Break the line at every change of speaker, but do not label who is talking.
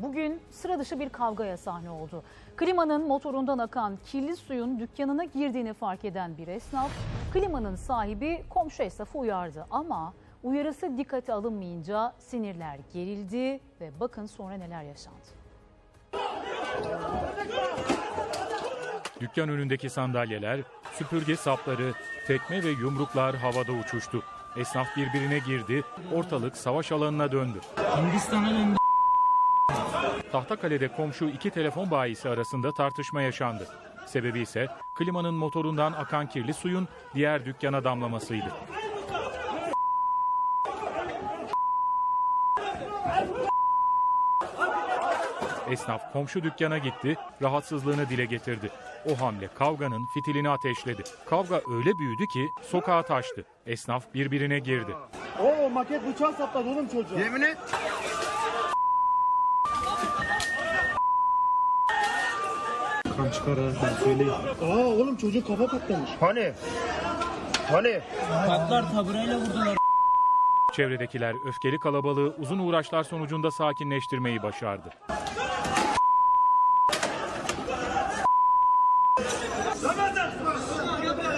bugün sıra dışı bir kavgaya sahne oldu. Klimanın motorundan akan kirli suyun dükkanına girdiğini fark eden bir esnaf, klimanın sahibi komşu esnafı uyardı. Ama uyarısı dikkate alınmayınca sinirler gerildi ve bakın sonra neler yaşandı.
Dükkan önündeki sandalyeler, süpürge sapları, tekme ve yumruklar havada uçuştu. Esnaf birbirine girdi, ortalık savaş alanına döndü.
Hindistan'a döndü.
Tahtakale'de komşu iki telefon bayisi arasında tartışma yaşandı. Sebebi ise klimanın motorundan akan kirli suyun diğer dükkana damlamasıydı. Esnaf komşu dükkana gitti, rahatsızlığını dile getirdi. O hamle kavganın fitilini ateşledi. Kavga öyle büyüdü ki sokağa taştı. Esnaf birbirine girdi.
Oo, maket bıçağı sapladı oğlum çocuğa.
Yemin et.
Kan çıkarır ben söyleyeyim. Aa oğlum çocuk kafa patlamış.
Hani?
Patlar taburayla vurdular.
Çevredekiler öfkeli kalabalığı uzun uğraşlar sonucunda sakinleştirmeyi başardı.
Ramazan!